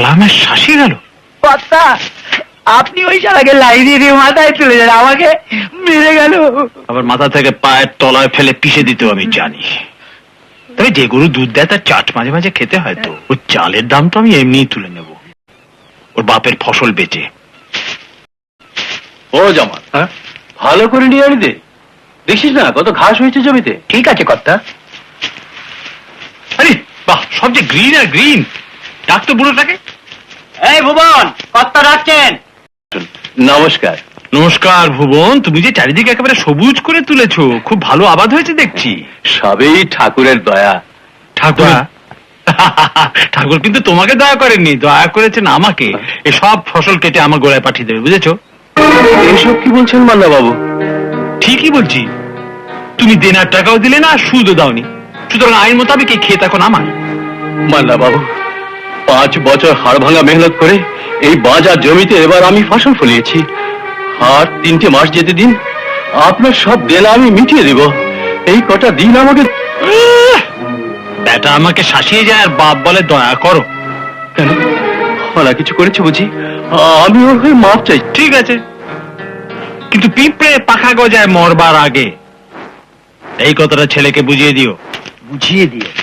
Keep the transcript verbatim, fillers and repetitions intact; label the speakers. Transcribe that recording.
Speaker 1: শালা আমার শাসি গেল।
Speaker 2: কর্তা, আপনি ওই শালাকে লাইনে দিয়ে মাথায় তুলে যান, আমাকে মেরে গেল।
Speaker 1: আবার মাথা থেকে পায়ের তলায় ফেলে পিষে দিতেও আমি জানি। তবে যে গরু দুধ দেয় তার চাট মাঝে মাঝে খেতে হয় তো। ওর চালের দাম তো আমি এমনিই তুলে নেব, ওর বাপের ফসল বেচে।
Speaker 3: ও জামাল, হ্যাঁ ভালো করে নিয়ে আনি দে, দেখিস না কত ঘাস হয়েছে জমিতে।
Speaker 2: ঠিক আছে কর্তা।
Speaker 1: আরে বাহ, সব যে গ্রিন আর গ্রিন। ডাক তো বুড়োটাকে।
Speaker 2: এই ভুবন, কর্তা ডাকছেন।
Speaker 3: নমস্কার।
Speaker 1: নমস্কার ভুবন, তুমি যে চারিদিকে একেবারে সবুজ করে তুলেছো, খুব ভালো আবাদ হয়েছে দেখছি।
Speaker 3: সবই ঠাকুরের দয়া।
Speaker 1: ঠাকুর ঠাকুর কিন্তু তোমাকে দয়া করেননি, দয়া করেছেন আমাকে। এসব ফসল কেটে আমার গোড়ায় পাঠিয়ে দেবে, বুঝেছো?
Speaker 3: এসব কি বলছেন মাল্লা বাবু?
Speaker 1: ঠিকই বলছি। তুমি দেনার টাকাও দিলে না, সুদও দাওনি, সুতরাং আইন মোতাবেক এই ক্ষেত এখন আমার।
Speaker 3: মাল্লা বাবু, পাঁচ বছর হাড় ভাঙা মেহনত করে এই বাজার জমিতে এবার আমি ফসল ফলিয়েছি। আর তিনটে মাস যেতে দিন, আপনার সব দেনা আমি মিটিয়ে দেব। এই কটা দিন আমাকে।
Speaker 1: বেটা আমাকে শাসিয়ে যায় আর বাপ বলে দয়া করো।
Speaker 3: কেন, ওরা কিছু করেছে বুঝি? আমি ওর হয়ে মাপ চাই।
Speaker 1: ঠিক আছে, কিন্তু পিঁপড়ে পাখা গজায় মরবার আগে এই কথাটা ছেলেকে বুঝিয়ে দিও।
Speaker 2: বুঝিয়ে দিয়ে